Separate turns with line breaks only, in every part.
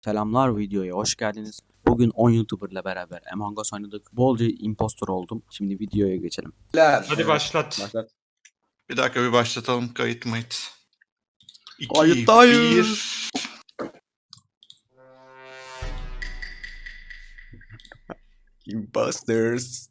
Selamlar, videoya hoş geldiniz. Bugün 10 YouTuber'la beraber Among Us oynadık. Bolca impostor oldum. Şimdi videoya geçelim.
Hadi başlat.
Başlat.
Bir dakika bir başlatalım. Kayıt mayıt. 2,
Kayıttayız.
1.
Imposters.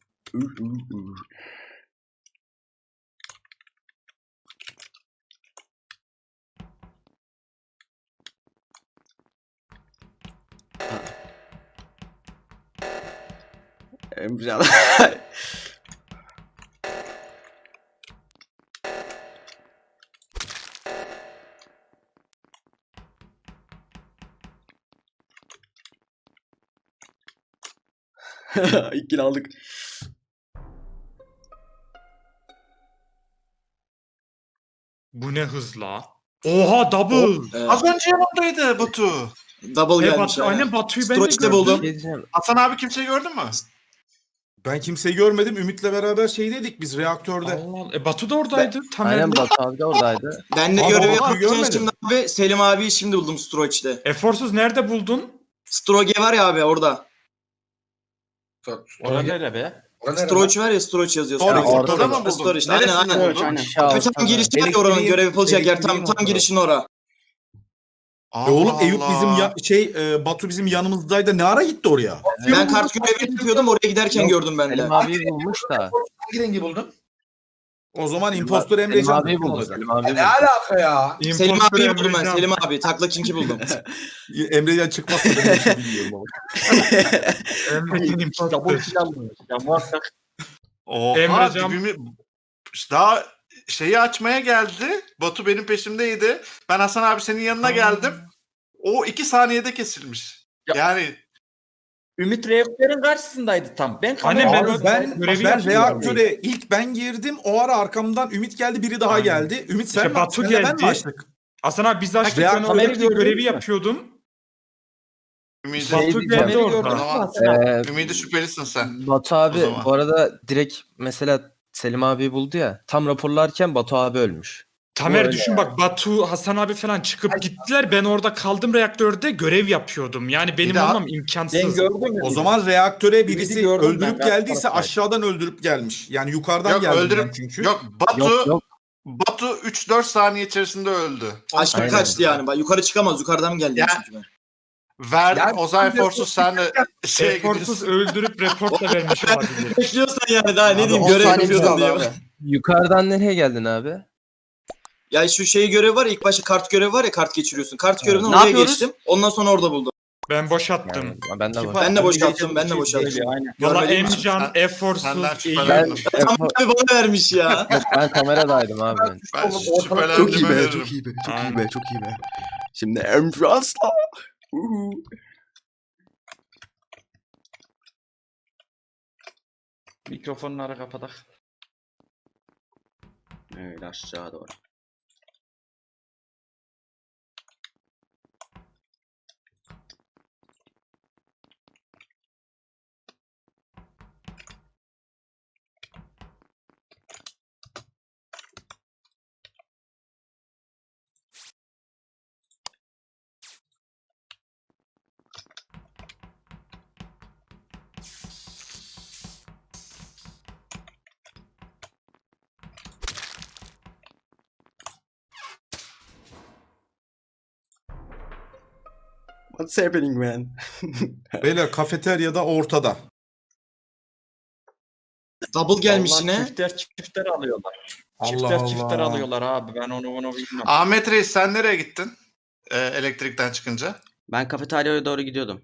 Emrecan. İlk kill aldık.
Bu ne hızla? Oha double.
Az önce yanımdaydı Batu.
Double gelmiş
Batu,
yani.
aynen Batu'yu ben de
Stroç'te
gördüm.
buldum.
Hasan abi kimseyi gördün mü?
Ben kimseyi görmedim. Ümit'le beraber şeydeydik biz reaktörde.
Allah Allah. Batu da oradaydı.
Aynen
Tamer'le.
Batu abi de oradaydı.
Ben de
Ama
görevi
Batu'yu
yaparken
görmedim.
şimdi abi Selim abiyi şimdi buldum Stroç'te.
Eforsuz nerede buldun?
Stroge var ya abi orada.
Orada nerede be?
Stroç var ya Stroç yazıyor.
Orada,
Stroç.
ortada mı buldun?
Stroç.
Neresi
Aynen aynen.
buldun?
Abi tam girişi var ya oranın görev yapılacak yer. Tam girişin ora.
Oğlum Eyüp bizim Batu bizim yanımızdaydı. Ne ara gitti oraya?
Ben kart görevi yapıyordum oraya giderken gördüm ben de.
Selim abiyi bulmuş da.
Hangi rengi buldun?
O zaman impostor
Selim
Emrecan.
abiyi buldu. Selim abiyi
Ne
buldu.
alaka ya?
Selim
İmpostor
abiyi buldum ben.
Emrecan.
Selim abi. Takla kinki buldum.
Emrecan çıkmazsa ben bir şey bilmiyorum ama.
Emrecan impostor.
Oha
Emrecan-
dibimi... Daha şeyi açmaya geldi. Batu benim peşimdeydi. Ben Hasan abi senin yanına geldim. O 2 saniyede kesilmiş. Yani
Ümit reaktörün karşısındaydı tam. Ben
Annem,
Abi ben
görevi
reaktöre ilk ben girdim. O ara arkamdan Ümit geldi, biri daha
Aynen.
geldi. Ümit sen
İşte
mi?
Batu
Senle ben
geldi.
mi açtık?
Hasan abi biz açtık.
Reaktör-
Ben orada
Tamer'i gördün
görevi
mü?
yapıyordum.
Ümidi,
Batu
diyeceğim.
geldi
Tamer'i gördün
orada.
mü
Tamam.
Hasan?
Ümidi şüphelisin sen.
Batu
O
abi
zaman.
bu arada direkt mesela Selim abiyi buldu ya. Tam raporlarken Batu abi ölmüş.
Tamer
Öyle
düşün bak Batu, Hasan abi falan çıkıp gittiler. Ben orada kaldım reaktörde görev yapıyordum. Yani benim
daha-
olmam
Ben
imkansız.
gördüm mü?
O zaman reaktöre birisi
Ümidi gördüm
öldürüp
ben.
geldiyse
Taraftar.
aşağıdan öldürüp gelmiş. Yani yukarıdan
Yok
geldi
öldürüp...
çünkü.
Yok Batu...
Yok yok.
Batu 3-4 saniye içerisinde öldü. Onu
Aşağı
söyleyeyim.
kaçtı yani. Bak yukarı çıkamaz. Yukarıdan geldi
Ya-
çünkü ben.
Verdim
Yani-
Ozay Forsuz sen de şeye
Eforsuz
gidiyorsun.
öldürüp report da vermiş olabilir.
Bekliyorsan yani daha ne diyeyim
10
görev
saniyemiz
yapıyordum
kaldı
diye.
abi. Yukarıdan nereye geldin abi?
Ya şu şey görevi var ya ilk başta kart görevi var ya kart geçiriyorsun. Kart görevinden
Ne
oraya
yapıyoruz?
geçtim. Ondan sonra orada buldum.
Ben boşattım.
Yani, ben de var.
Ben de boşalttım. Ben de boşalttım.
Valla
Görmediğim için.
Emcan,
Senden
Eforsuz,
şüphelendim.
Eyüp.
Ben,
Tam abi bana vermiş ya.
ben kameradaydım abi. Ben.
Ben
Çok iyi
şüphelendiğime
be,
veririm.
çok iyi be, çok iyi
Aynen.
be, çok iyi be. Şimdi Emrecan'la.
Mikrofonları kapatak.
Öyle aşağı doğru. What's happening man?
Beyler kafeteryada ortada.
Double gelmiş
Vallahi
yine.
Çiftler alıyorlar.
Allah
Çiftler
Allah.
alıyorlar abi. Ben onu bilmem.
Ahmet Reis sen nereye gittin? Elektrikten çıkınca.
Ben kafeteryaya doğru gidiyordum.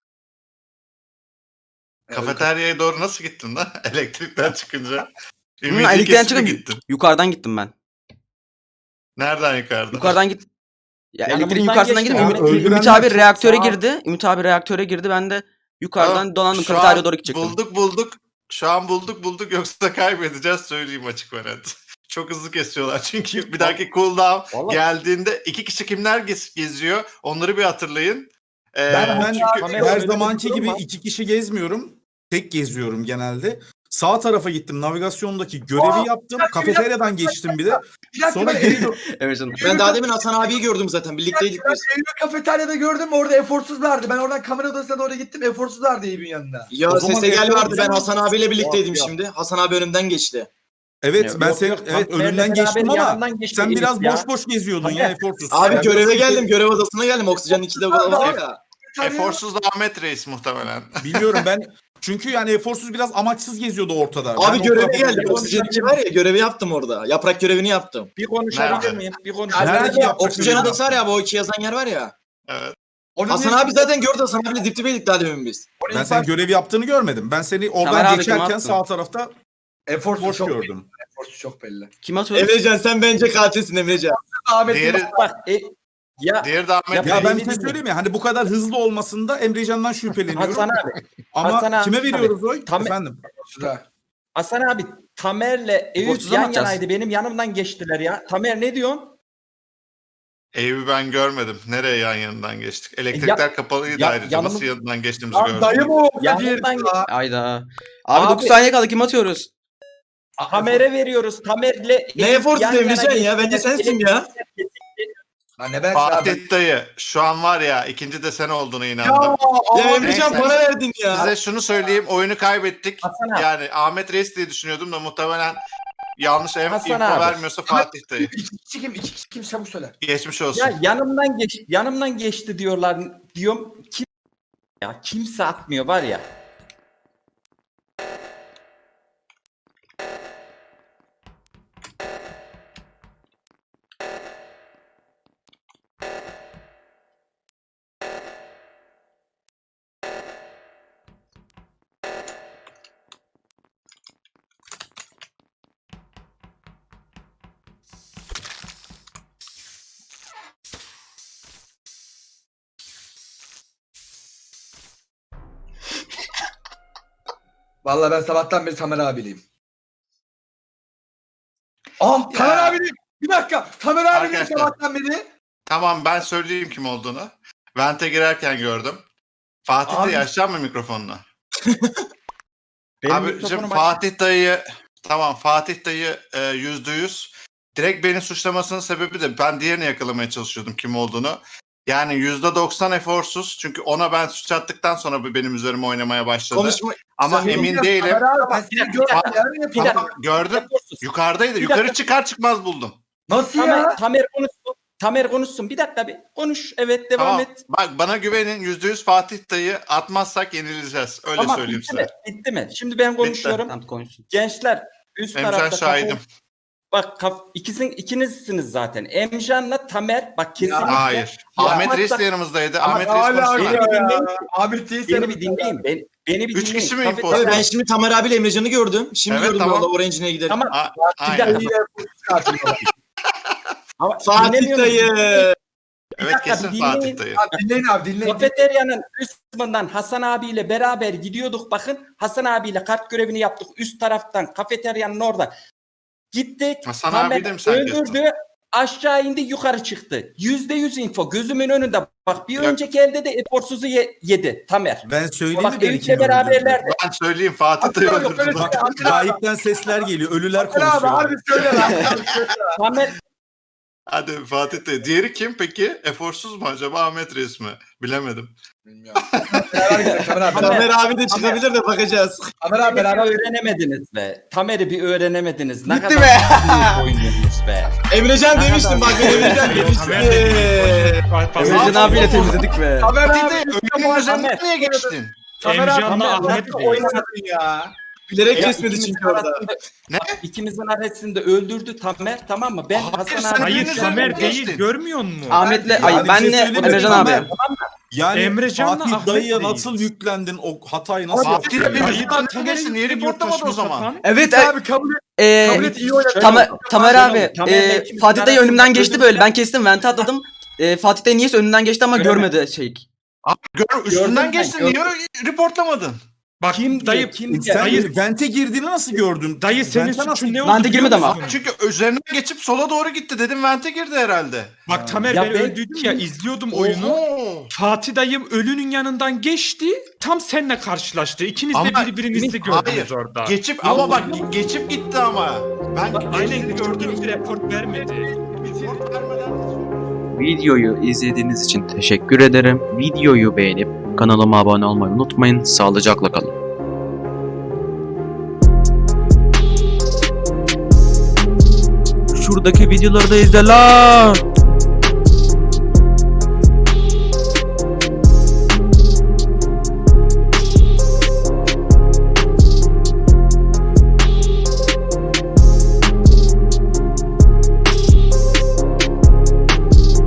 Kafeteryaya doğru nasıl gittin lan? Elektrikten çıkınca.
Elektrikten
kesip
çıkıp
gittin.
yukarıdan gittim ben.
Nereden yukarıda?
Yukarıdan git. Ya
Yanımızdan
elektriğin yukarısından
geçti
gidip
abi.
Ümit
Öldürenler
abi
çok
reaktöre
sağ-
girdi. Ümit abi reaktöre girdi. Ben de yukarıdan
Tamam,
dolandım
şu
kafeteryaya
an
doğru gidecektim.
Bulduk. Şu an bulduk yoksa kaybedeceğiz söyleyeyim açık ve net. Çok hızlı kesiyorlar çünkü bir dahaki cooldown
Vallahi-
geldiğinde 2 kişi kimler geziyor onları bir hatırlayın.
Ben
çünkü
her
kamera
zamanki
önünde
gibi
durum var.
2 kişi gezmiyorum. Tek geziyorum genelde. Sağ tarafa gittim. Navigasyondaki görevi yaptım. Kafeteryadan geçtim bir de.
Bir dakika
Sonra
ben
geri
Eylül
Emrecan.
Ben daha demin Hasan abiyi gördüm zaten. Birlikteydik biz.
kafeteryada gördüm orada eforsuzlardı. Ben oradan kamera odasına doğru gittim. Eforsuzlardı Eyüp'ün yanında.
Ya
O zaman
sese gel vardı. Ben
Efor-
Hasan abiyle birlikteydim
Yok.
şimdi. Hasan abi önümden geçti.
Evet ben seni önünden geçtim ama sen biraz boş boş geziyordun ya eforsuz.
Abi
Ben
göreve
biraz-
geldim. Görev odasına geldim. Oksijenin 2'de var ya.
Eforsuz Ahmet Reis muhtemelen.
Biliyorum ben. Çünkü yani eforsuz biraz amaçsız geziyordu ortada. Ben
Abi
o
göreve
tarafa
geldim.
doğru-
Oksijen 2 var ya, görevi yaptım orada. Yaprak görevini yaptım.
Bir konuşabilir
Nerede?
miyim? Bir konuşabilir
Nerede
miyim?
yaprak
Oksijen
görevi
odası var
yaptın?
ya, bu 2 yazan yer var ya.
Evet.
Hasan abi zaten gördü. Hasan abiyle dip dibeydik daha demin biz.
Ben senin görev yaptığını görmedim. Ben seni
Tamer
oradan
abi,
geçerken
kim attı?
sağ tarafta
Eforsuz
boş
çok
gördüm.
Eforsuz çok belli.
Kim atıyor?
Emrecan sen bence katilsin Emrecan.
Ahmet
Diğeri,
Bak ya
diğeri de Ahmet
Ya
Ya ben
belli
bir şey
değil.
söyleyeyim mi? Hani bu kadar hızlı olmasında Emrecan'dan şüpheleniyorum.
Hasan abi.
Ama
Hasan abi-
kime veriyoruz oy?
Tam-
Efendim.
Eforsuz'a.
Hasan abi Tamer'le Eyüp
Eforsuz'a mı
yan
atacağız?
yanaydı. Benim yanımdan geçtiler ya. Tamer ne diyorsun?
Eyüp'ü ben görmedim. Nereye yan yanından geçtik? Elektrikler kapalıydı
ya-
ayrıca. Nasıl
yanımız-
yanından geçtiğimizi
Lan
gördüm.
dayı mı o?
Yanımdan
Ya.
Ayda. Abi,
Abi-
9 saniye kaldı, kim atıyoruz?
Tamer'e veriyoruz. Tamer'le
Ne
Eyüp
efortu
yan yana
Emrecan ya?
geçtiler.
Bence sensin ya.
Lan ne ben abi.
Fatih dayı şu an var ya ikinci de sen olduğuna
Ya,
inandım.
Ya
abi,
Emrecan
neyse.
bana verdin ya.
Size şunu söyleyeyim, oyunu kaybettik.
Hasan abi.
Yani Ahmet Reis diye düşünüyordum da muhtemelen yanlış
Hasan
info
abi.
vermiyorsa Fatih dayı.
İki kişi kim? İki kişi kim? Çabuk söyle.
Geçmiş olsun.
Ya yanımdan geçti diyorlar. Diyorum kim ya kimse atmıyor var ya.
Vallahi ben sabahtan beri Tamer abileyim. Ah Tamer
Ya.
abileyim. Bir dakika. Tamer abileyim
Arkadaşlar.
sabahtan beri.
Tamam ben söyleyeyim kim olduğunu. Vente girerken gördüm. Fatih
Abi-
dayı açacak mı mikrofonunu?
Benim
Abi
mikrofonum
şimdi
açık.
Fatih dayı tamam Fatih dayı %100 direkt beni suçlamasının sebebi de ben diğerini yakalamaya çalışıyordum kim olduğunu. Yani %90 eforsuz çünkü ona ben suç attıktan sonra bu benim üzerime oynamaya başladı.
Konuşma.
Ama
Sen-
emin değilim.
Tamer abi ben
Bir
seni
dakika,
gördüm. Yarın
Bir
yapayım.
dakika.
Gördüm.
Eforsuz.
Yukarıdaydı.
Bir
Yukarı
dakika.
çıkar çıkmaz buldum.
Nasıl ya?
Tamer konuşsun. Tamer konuşsun. Bir dakika bir konuş. Evet devam
Tamam.
et.
Bak bana güvenin %100 Fatih dayı atmazsak yenileceğiz. Öyle
Tamam
söyleyeyim
bitti
size.
mi? Bitti mi? Şimdi ben konuşuyorum.
Tamam, konuşsun.
Gençler üst
Emcan
tarafta
şahidim.
Bak ikinizsiniz zaten. Emcan'la Tamer bak kesinlikle.
Hayır.
Ya,
Ahmet Reis
hatta-
de yanımızdaydı.
Ama
Ahmet Reis
hala
konuşmadı.
Beni bir
ya.
dinleyin.
Ahmet değil
Beni bir dinleyin. Beni bir
Üç
dinleyin.
kişi mi
Kafeterya-
imposter?
Abi ben şimdi Tamer abiyle Emrecan'ı gördüm. Şimdi
Evet,
gördüm
tamam.
orada Orange'ine gidelim.
Tamam.
Aynen.
Ama
Fatih
dinlemiyor musun?
dayı.
Evet
dakika,
kesin
bir
Fatih
dinleyin.
dayı.
Dinleyin abi dinleyin.
Kafeteryanın üst kısmından Hasan abiyle beraber gidiyorduk. Bakın Hasan abiyle kart görevini yaptık. Üst taraftan kafeteryanın orada. Gittik.
Hasan
Tamer
abi de mi sen
öldürdü. Aşağı indi yukarı çıktı. %100 info gözümün önünde. Bak bir
Yok.
önceki elde de eforsuzu yedi Tamer.
Ben söyleyeyim
Bak
mi beni
Eyüp'le
kim öldürdü?
beraberlerdi.
Ben söyleyeyim Fatih dayı
Yok,
öldürdü.
öyle
Bak,
şey.
Bak gayipten sesler geliyor. Ölüler
Tamer abi
konuşuyor.
harbi söyle lan.
Tamer
Hadi Fatih dayı. Diğeri kim peki? Eforsuz mu acaba Ahmet Reis mi? Bilemedim.
Bilmiyorum. Beraber gidelim Tamer abi.
Tamer abi de çıkabilir de bakacağız.
Tamer abi
Tamer'i
beraber
bir öğrenemediniz be. Tamer'i bir öğrenemediniz. Ne
Bitti
kadar
be.
büyük oynuyorsunuz be.
Emrecan demiştim bak Emrecan
Tamer de
demiştim.
Emrecan abiyle temizledik be.
Tamer
Fatih
abi.
dayı önünün üzerinden
Tamer.
niye geçtin?
Emcan'la Ahmet
nasıl
Reis.
oynadın
ya.
Bilerek
Ya
kesmedi
ikimizin
çünkü orada.
arasında-
Ne?
Bak, İkimizin arasında öldürdü Tamer tamam mı? Ben
Hayır,
Hasan
sen
abi.
Hayır
Birinin
Tamer
üzerinden
değil
geçtin.
görmüyor musun?
Ahmet'le,
Yani
ay
bir şey
benle
söyleyeyim mi?
Emrecan abi.
Tamer, Yani
Emrecan'la
Fatih
Ahmet
dayıya
Reis.
nasıl yüklendin o hatayı nasıl
Fatih
yaptın?
dayı
Hayır,
yüzünden
Tamer'in
geçtin. Niye
yükleniyor
reportlamadı o
saçma
zaman?
sapan.
Evet,
Abi kabul et iyi oynadın.
Tamer abi,
Tamer'le ikimizin
Fatih dayı önümden
arasında
geçti
öldürdü.
böyle. Ben kestim, vente atladım. Fatih dayı niyeyse önünden geçti ama
Göremedi.
görmedi şey.
Üstünden
Gördüm ben,
geçtin. Niye reportlamadın?
Bak
Kim
dayı,
diyor, kim
Sen
Dayı-
vente girdiğini nasıl gördün?
dayı senin
Vente nasıl-
suçun ne oldu
Ben de
biliyor
girmedim ama.
musun?
Çünkü üzerine geçip sola doğru gitti dedim vente girdi herhalde.
Bak Tamer
Ya
ben
ben-
öldüydüm ya izliyordum oyunu.
Oho.
Fatih dayım ölünün yanından geçti. Tam seninle karşılaştı. İkiniz de
Ama-
birbirinizi
Hayır.
gördünüz orada.
Geçip ama bak geçip gitti ama. Ben
Aynen
geçtiğini
gördüm
gördüm.
bir report vermedi.
Report vermeden-
Videoyu izlediğiniz için teşekkür ederim. Videoyu beğenip kanalıma abone olmayı unutmayın. Sağlıcakla kalın. Şuradaki videoları da izle lan.